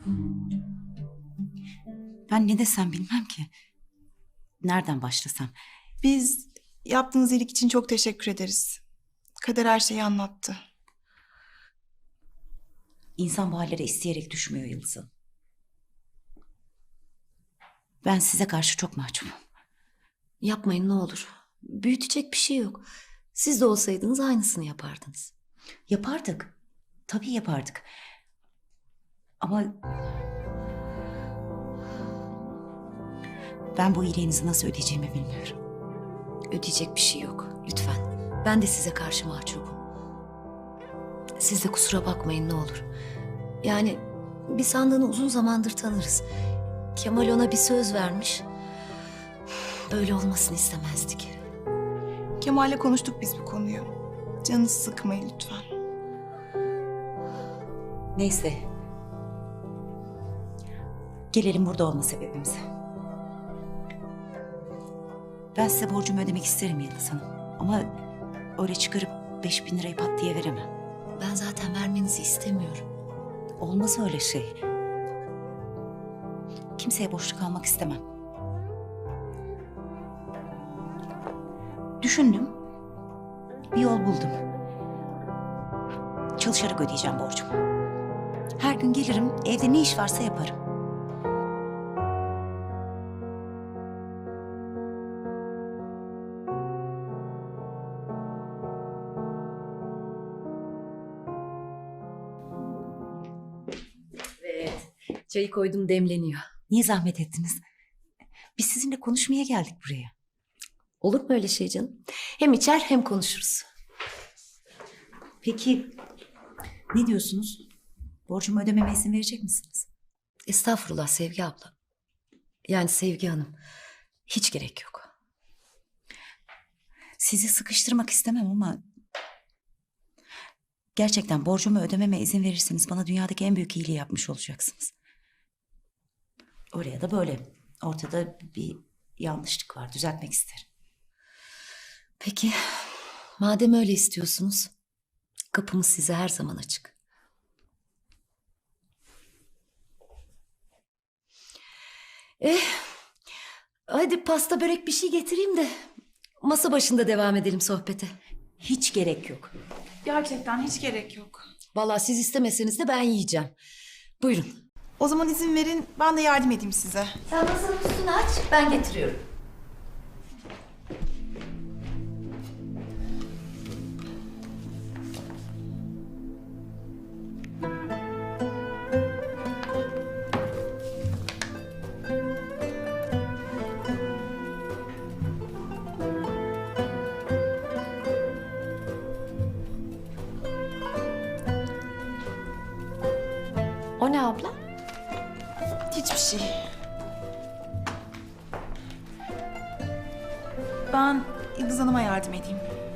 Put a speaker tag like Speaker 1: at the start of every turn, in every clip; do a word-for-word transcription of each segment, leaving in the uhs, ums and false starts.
Speaker 1: Ben ne desem bilmem ki. Nereden başlasam?
Speaker 2: Biz yaptığınız iyilik için çok teşekkür ederiz. Kader her şeyi anlattı.
Speaker 1: İnsan bu hallere isteyerek düşmüyor Yıldız Hanım. Ben size karşı çok mahcubum.
Speaker 3: Yapmayın ne olur. Büyütecek bir şey yok. Siz de olsaydınız aynısını yapardınız.
Speaker 1: Yapardık. Tabii yapardık. Ama... ben bu iyiliğinizi nasıl ödeyeceğimi bilmiyorum.
Speaker 3: Ödeyecek bir şey yok. Lütfen. Ben de size karşı mahcubum. Siz de kusura bakmayın ne olur. Yani biz Handan'ı uzun zamandır tanırız. Kemal ona bir söz vermiş. Böyle olmasını istemezdik.
Speaker 2: Kemal'le konuştuk biz bu konuyu. Canınızı sıkmayın lütfen.
Speaker 1: Neyse. Gelelim burada olma sebebimize. Ben size borcumu ödemek isterim Yıldız Hanım. Ama öyle çıkarıp beş bin lirayı pat diye veremem.
Speaker 3: Ben zaten vermenizi istemiyorum.
Speaker 1: Olmaz öyle şey. Kimseye borçlu kalmak istemem. Düşündüm. Bir yol buldum. Çalışarak ödeyeceğim borcumu. Her gün gelirim, evde ne iş varsa yaparım.
Speaker 3: Evet. Çayı koydum demleniyor.
Speaker 1: Niye zahmet ettiniz? Biz sizinle konuşmaya geldik buraya.
Speaker 3: Olur mu öyle şey canım? Hem içer hem konuşuruz.
Speaker 1: Peki ne diyorsunuz? Borcumu ödememe izin verecek misiniz?
Speaker 3: Estağfurullah Sevgi abla. Yani Sevgi Hanım. Hiç gerek yok.
Speaker 1: Sizi sıkıştırmak istemem ama... gerçekten borcumu ödememe izin verirseniz bana dünyadaki en büyük iyiliği yapmış olacaksınız. Oraya da böyle. Ortada bir yanlışlık var. Düzeltmek isterim.
Speaker 3: Peki. Madem öyle istiyorsunuz. Kapımız size her zaman açık. Eh. Hadi pasta börek bir şey getireyim de masa başında devam edelim sohbete.
Speaker 1: Hiç gerek yok.
Speaker 2: Gerçekten hiç gerek yok.
Speaker 3: Vallahi siz istemeseniz de ben yiyeceğim. Buyurun.
Speaker 2: O zaman izin verin, ben de yardım edeyim size.
Speaker 3: Sen masanın üstünü aç, ben getiriyorum. O ne abla?
Speaker 2: Hiçbir şey. Ben Yıldız Hanım'a yardım edeyim.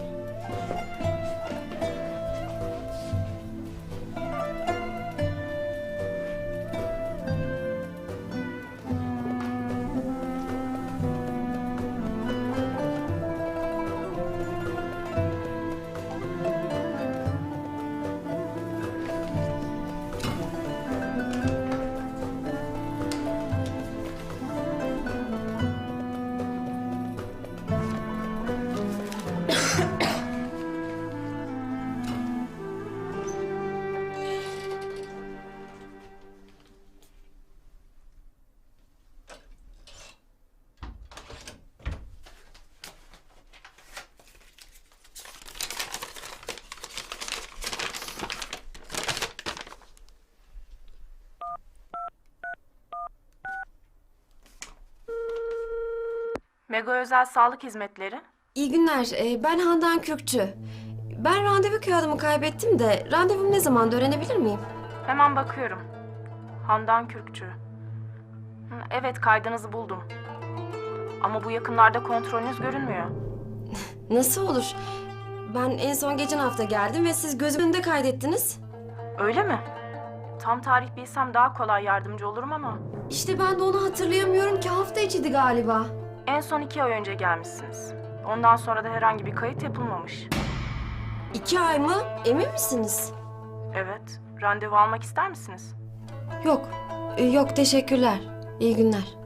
Speaker 4: Mega Özel Sağlık Hizmetleri.
Speaker 5: İyi günler. Ee, ben Handan Kürkçü. Ben randevu kağıdımı kaybettim de randevum ne zamanda öğrenebilir miyim?
Speaker 4: Hemen bakıyorum. Handan Kürkçü. Hı, evet, kaydınızı buldum. Ama bu yakınlarda kontrolünüz görünmüyor.
Speaker 5: Nasıl olur? Ben en son geçen hafta geldim ve siz gözümün önünde kaydettiniz.
Speaker 4: Öyle mi? Tam tarih bilsem daha kolay yardımcı olurum ama...
Speaker 5: İşte ben de onu hatırlayamıyorum ki hafta içiydi galiba.
Speaker 4: En son iki ay önce gelmişsiniz. Ondan sonra da herhangi bir kayıt yapılmamış.
Speaker 5: İki ay mı? Emin misiniz?
Speaker 4: Evet, randevu almak ister misiniz?
Speaker 5: Yok. Ee, yok teşekkürler. İyi günler.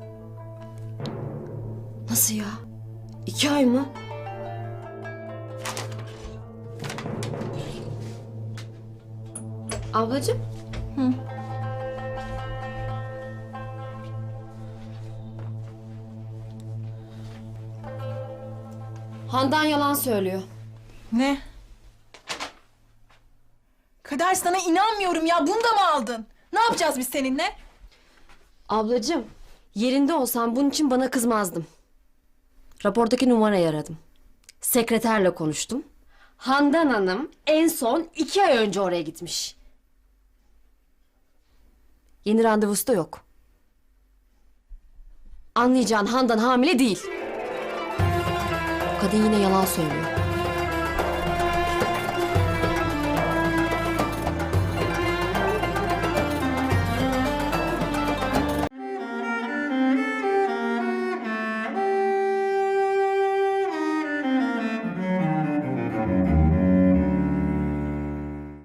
Speaker 5: Nasıl ya? İki ay mı? Ablacığım.
Speaker 2: Hı.
Speaker 5: Handan yalan söylüyor.
Speaker 2: Ne? Kader, sana inanmıyorum ya. Bunu da mı aldın? Ne yapacağız biz seninle?
Speaker 5: Ablacığım, yerinde olsam bunun için bana kızmazdım. Rapordaki numarayı aradım. Sekreterle konuştum. Handan Hanım en son iki ay önce oraya gitmiş. Yeni randevusu da yok. Anlayacağın Handan hamile değil. O kadın yine yalan söylüyor.